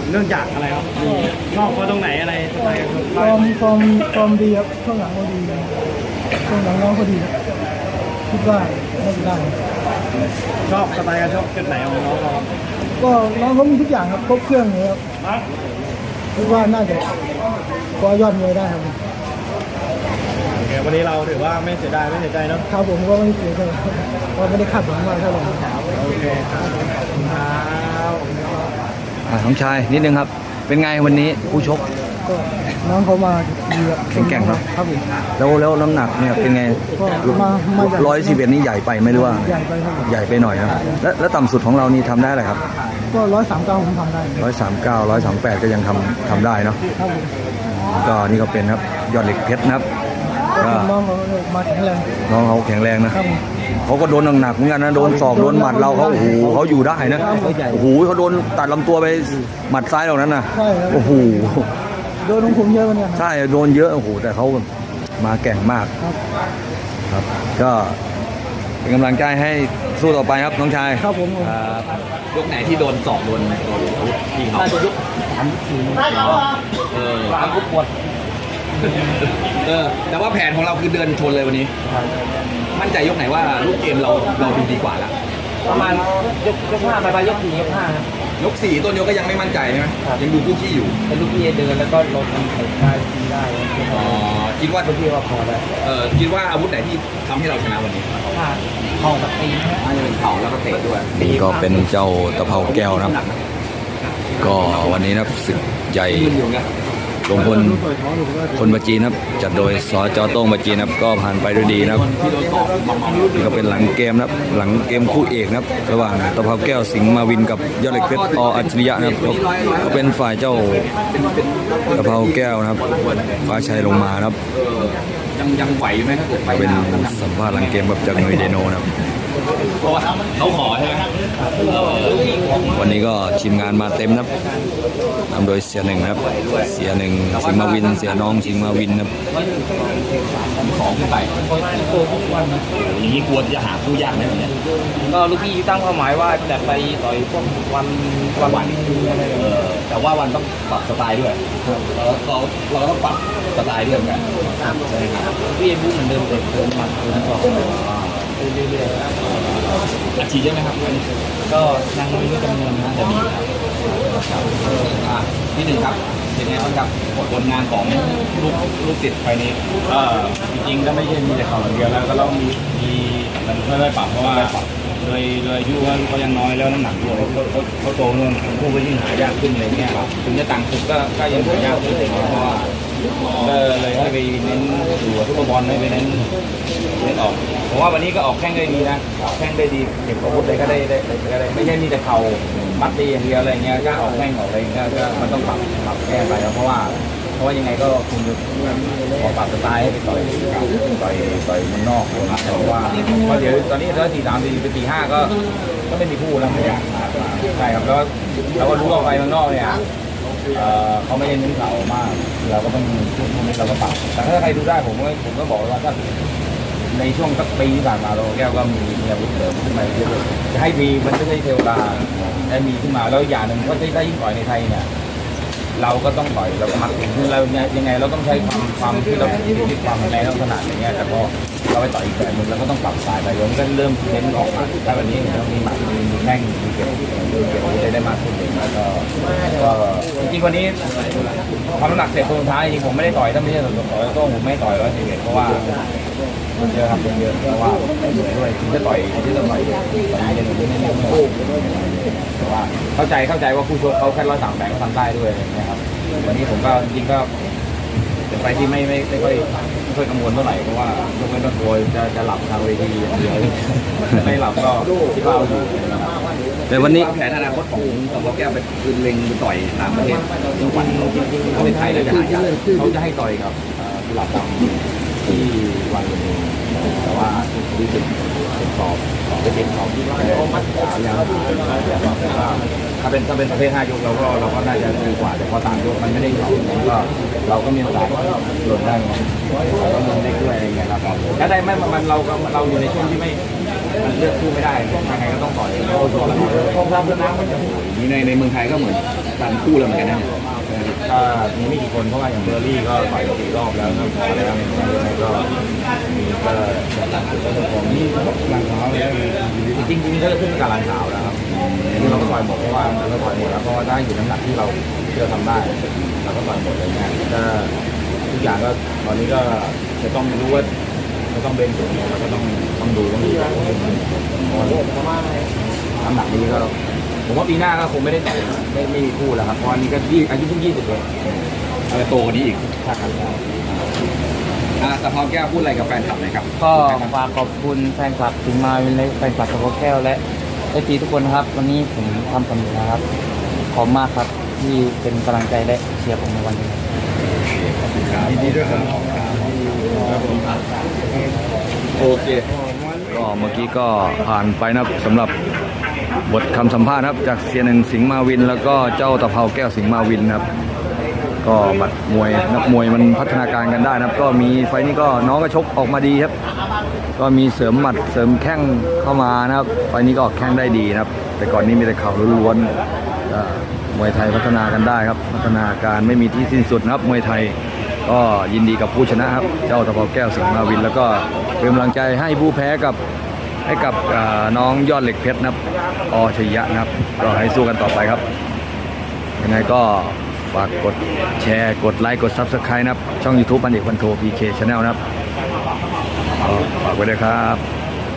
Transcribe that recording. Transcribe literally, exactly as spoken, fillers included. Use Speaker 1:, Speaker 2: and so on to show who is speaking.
Speaker 1: เนื่องจากอะไรครับชอบเขาตรงไหนอะไรสไตล์การชก
Speaker 2: ฟอร์มฟอร์มฟอร์มดีครับช่วงหลังก็ดีช่วงหลังน้องก็ดีครับคิดว่าน่าจะได้
Speaker 1: ชอบสไตล์การชกจุดไหนของน้องเรา
Speaker 2: ก็น้องเขามีทุกอย่างครับครบเครื่องเลยครับคิดว่าน่าจะคว้ายอดมวยได้ครับ
Speaker 1: โอเควันนี้เราถือว่าไม่เสียดายไม่เสียใจเนาะ
Speaker 2: ครับผมก็ไม่เสียใจว่าไม่ได้คาดหวังมากเท่าไหร่
Speaker 1: โอเคครับขอบคุณครับ
Speaker 3: อ่าน้องชายนิดนึงครับ เป็นไงวันนี้ผู้ชก
Speaker 2: ก็น้องเขามาดีครับ
Speaker 3: แข็งแกร่งเนอะ
Speaker 2: ครับผม
Speaker 3: แล้วแล้วน้ำหนักเนี่ยเป็นไง
Speaker 2: ก็มามาใหญ่
Speaker 3: ร้อยสิบเอ็ดนี่ใหญ่ไปไหมหรือว่า
Speaker 2: ใหญ่ไปครับผม
Speaker 3: ใหญ่ไปหน่อยนะแล้วแล้วต่ำสุดของเรานี่ทำได้อะไรครับ
Speaker 2: ก็ร้อยสามเก้าผมทำได้
Speaker 3: ร้อยสามเก้าร้อยสามแปดก็ยังทำทำได้เนาะ
Speaker 2: ครับผม
Speaker 3: ก็นี่ก็เป็นครับยอดเหล็กเพชรนะครับ
Speaker 2: ก็
Speaker 3: ก็
Speaker 2: น้องเขามาแข็งแรง
Speaker 3: น้องเขาแข็งแรงนะครับ
Speaker 2: ผม
Speaker 3: เขาก็โดนหนักๆเหมือนกันนะโดนศอกโดนหมัดเราเขาโอ้โหเขาอยู่ได้นะโอ้โหเขาโดนตัดลำตัวไปหมัดซ้ายเหล่านั้นนะ
Speaker 2: ใช่ครับ
Speaker 3: โอ้โห
Speaker 2: โดนของผมเยอะวันเนี้ยครับ
Speaker 3: ใช่โดนเยอะโอ้โหแต่เขามาแกร่งมาก
Speaker 2: ครับ
Speaker 3: ครับก็เป็นกำลังใจให้สู้ต่อไปครับน้องชาย
Speaker 2: ครับผม
Speaker 4: ยกไหนที่โดนสอบโดนโดนอาวุธพี่เขา
Speaker 2: น่าจะยุคสามสี่
Speaker 4: เออ
Speaker 2: สามกุ๊บหมด
Speaker 4: เออแต่ว่าแผนของเราคือเดินชนเลยวันนี้ มั่นใจยกไหนว่าลูกเกมเราเราดูดีกว่าแล้ว
Speaker 2: ประมาณยกยกห้าไปไปยกสี่ยกห้าครับ
Speaker 4: ยกสี่ต้นยกก็ยังไม่มั่นใจใช่ไหมยังดูคู่ขี้อยู่
Speaker 2: เป็นลูกพี่เดินแล้วก็ลงทำได้ทีได้
Speaker 4: อ๋อคิดว่า
Speaker 2: ลูกพี่ว่าพอได้
Speaker 4: เออคิดว่าอาวุธไหนที่ทำให้เราชนะวันนี้
Speaker 2: ถ้าเข่ากับตีนะ
Speaker 4: น่าจะเป็นเข่าแล้วก็เตะด้วย
Speaker 3: นี่ก็เป็นเจ้าตะเภาแก้วนะครับ ก็วันนี้นะครับศึกใหญ่
Speaker 4: ยืนอยู่ไง
Speaker 3: ลงพลคนประจีนครับจัดโดยสจโต้งประจีนครับก็ผ่านไปด้วยดีนะครับ
Speaker 4: ที่โดนสอบมาเมา
Speaker 3: นี่ก็เป็นหลังเกมนะครับหลังเกมคู่เอกนะครับระหว่างตะเภาแก้วสิงห์มาวินกับยอดเหล็กเพชรออัจฉริยะนะครับก็ก็เป็นฝ่ายเจ้าตะเภาแก้วนะครับฟ้าชัยลงมานะครับ
Speaker 4: เออยังยังไหวอยู่ไหมถ้าเกิดไป
Speaker 3: เป็น
Speaker 4: หน้าน้ำหนัก
Speaker 3: สัมภาษณ์หลังเกมแบบจากหน่วยเดโนนะครับ
Speaker 4: เพราะว่าเขาขอใช่ไหม
Speaker 3: วันนี้ก็ทีมงานมาเต็มนะครับนำโดยเสียหนึ่งนะครับเสียหนึ่งสิงห์มาวินเสียน้องสิงห์มาวินนะครับ
Speaker 4: สองขึ้นไปอย่างนี้กลัวจะหาคู่ยากไหมเนี่ย
Speaker 2: ก็ลูกพี่ตั้งเป้าหมายว่าจะไปต่อยพวกวันวันวันอะไร
Speaker 4: เออแต่ว่าวันต้องปรับสไตล์ด้วยเราเราเราต้องปรับสไตล์ด้วยเหมือนกันใช่ไหมครับ
Speaker 2: พี่พูดเหมือนเดิมเลยเดิมมันเดิมสองเรื่อย
Speaker 4: อาชีพใช่ไหมครับอันนี้
Speaker 2: ๆก็นั่งไม่รู้จำนวนนะ
Speaker 4: จะมีครับอ่าที่หนึ่งครับเป็นไงบ้างครับผลงานของลูกลูกศิษย์ไฟนี้
Speaker 1: ก็จริงๆก็ไม่ใช่มีแต่เขาอย่างเดียวแล้วก็ต้องมีมีมันค่อยๆปรับเพราะว่าโดยโดยอายุว่าเขายังน้อยแล้วน้ำหนักด้วยเขาเขาเขาโตนู่นผู้ก็ยิ่งหายากขึ้นอะไรเงี้ยถึงจะต่างศึกก็ก็ยังหายากขึ้นเพราะว่าก็เลยให้ไปเน้นดูทุกบอลให้ไปเน้นเน้นออกผมว่าวันนี้ก็ออกแข้งได้ดีนะออกแข้งได้ดีเก็บอาวุธอะไรก็ได้ได้ได้ได้ไม่ใช่มีแต่เข่ามัดตีอย่างเดียวอะไรเงี้ยก็ออกแข้งออกอะไรเงี้ยก็มันต้องปรับปรับแก้ไปแล้วเพราะว่าเพราะว่ายังไงก็คงจะขอปรับสไตล์ให้ไปต่อยต่อยต่อยมันนอกนะครับเพราะว่าเพราะเดี๋ยวตอนนี้ถ้าตีสามตีไปตีห้าก็ก็ไม่มีคู่แล้วไม่อยากมาใช่ครับแล้วเราก็รู้ว่าไปเมืองนอกเนี่ยเอ่อเขาไม่ได้เน้นเข่ามากเราก็ต้องช่วงนี้เราก็ปรับแต่ถ้าใครดูได้ผมก็ผมก็บอกว่าถ้าในช่วงสักปีที่ผ่านมาเราแก้วก็มีมีอาวุธเสริมขึ้นมาเยอะจะให้มีมันไม่ใช่เทวดาได้มีขึ้นมาแล้วอย่างหนึ่งก็ได้ได้ยิ่งต่อยในไทยเนี่ยเราก็ต้องต่อยเราก็มัดคือเรายังไงเราต้องใช้ความความที่เราที่ความแรงเราถนัดอย่างเงี้ยแต่พอเราไปต่อยอีกแบบนึงเราก็ต้องปรับสไตล์ไปมันก็เริ่มเน้นออกมาแต่วันนี้เรามีหมัดมีแข้งมีเก็บเก็บอาวุธได้มากขึ้นเลยแล้วก็ก็จริงๆวันนี้ทำน้ำหนักเสร็จตรงท้ายจริงผมไม่ได้ต่อยถ้าไม่ใช่ต่อยก็ผมไม่ต่อยร้อยสิบเอ็ดเพราะว่ามันเยอะครับมันเยอะเพราะว่าเหนื่อยด้วยที่จะต่อยที่จะต่อยต่อยเย็นหรือไม่เย็นแต่ว่าเข้าใจเข้าใจว่าผู้ชกเขาแค่ร้อยสามแปดก็ทำได้ด้วยนะครับวันนี้ผมก็จริงก็เป็นไปที่ไม่ไม่ไม่ค่อยไม่ค่อยกังวลเท่าไหร่เพราะว่ายกเว้นว่าตัวจะจะหลับทางเวทีอย่างเดียวไม่หลับก็คิดว่าเอาอยู่
Speaker 3: แต่วันนี้
Speaker 4: วางแผนอนาคตของตะวันแก้วไปคือเล็งไปต่อยต่างประเทศทุกวันประเทศไทยเราจะหายากเขาจะให้ต่อยกับกุหลาบดำที่วันนี้แต่ว่ารู้สึกเป็นสอบจะเป็นสอบที่ว่ายังถ้าเป็นถ้าเป็นประเภทห้ายกเราก็เราก็น่าจะดีกว่าแต่พอต่างยกมันไม่ได้เขาก็เราก็มีโอกาสหล่นได้เราก็ลงเล็กด้วยอะไรเงี้ยครับแล้วได้ไม่มันเราก็เราอยู่ในช่วงที่ไม่มันเลือกคู่ไม่ได้ยังไงก็ต้องต่อยโอ้โหคงรับแล้วนะนี่ในในเมืองไทยก็เหมือนกันคู่แล้วเหมือนกันนะ
Speaker 1: ก็มีไม่กี่คนเพราะว่าอย่างเบอร์รี่ก็ต่อยสี่รอบแล้วนะพอแล้วก็มีก็ผมนี่หลังเท้าเลย
Speaker 4: จริงจริงๆก็ขึ้นกับหลังเท้าแล้วครับที่เราก็ต่อยหมดเพราะว่าเราต่อยหมดแล้วเพราะว่าได้อยู่น้ำหนักที่เราที่เราทำได้เราก็ต่อยหมดเลยเนี่ยก็ทุกอย่างก็ตอนนี้ก็จะต้องรู้ว่าจะต้องเบนสูงแล้วก็ต้องต้องดูต้องดูน้ำหนักนี้ก็ผมว่าปีหน้าก็คงไม่ได้แต่ไม่ไม่มีคู่แล้วครับเพราะอันนี้ก็ยี่อายุเพิ่งยี่สิบเองอะไรโตกว่านี้อีกใช่ครับอ่าตะเภาแก้วพูดอะไรกับแฟนคลับหน่อยครับ
Speaker 5: ก็ฝากขอบคุณแฟนคลับถึงมาเป็นแฟนคลับตะเภาแก้วและเอฟซีทุกคนนะครับวันนี้ผมทำสำเร็จนะครับขอบมากครับที่เป็นกำลังใจและเชียร์ผมในวันนี้
Speaker 3: ยินดีด้วยครับโอเคก็เมื่อกี้ก็ผ่านไปนะครับสำหรับบทคำสัมภาษณ์นะครับจากเสียหนึ่งสิงห์มาวินแล้วก็เจ้าตะเภาแก้วสิงห์มาวินนะครับก็บัดมวยนักมวยมันพัฒนาการกันได้นะครับก็มีไฟนี้ก็น้องก็ชกออกมาดีครับก็มีเสริมหมัดเสริมแข้งเข้ามานะครับไฟนี้ก็ออกแข้งได้ดีนะครับแต่ก่อนนี้มีแต่เข่าล้วนๆมวยไทยพัฒนากันได้ครับพัฒนาการไม่มีที่สิ้นสุดนะครับมวยไทยก็ยินดีกับผู้ชนะครับเจ้าตะเภาแก้วสิงห์มาวินแล้วก็เป็นกำลังใจให้ผู้แพ้กับให้กับน้องยอดเหล็กเพชรนะครับอชัยยะนะครับก็ให้สู้กันต่อไปครับยังไงก็ฝากกดแชร์กดไลค์กด ซับสไครบ์ นะครับช่อง ยูทูบ พันเอกพันโท พี เค ชาแนล นะครับฝากไว้ด้วยครับ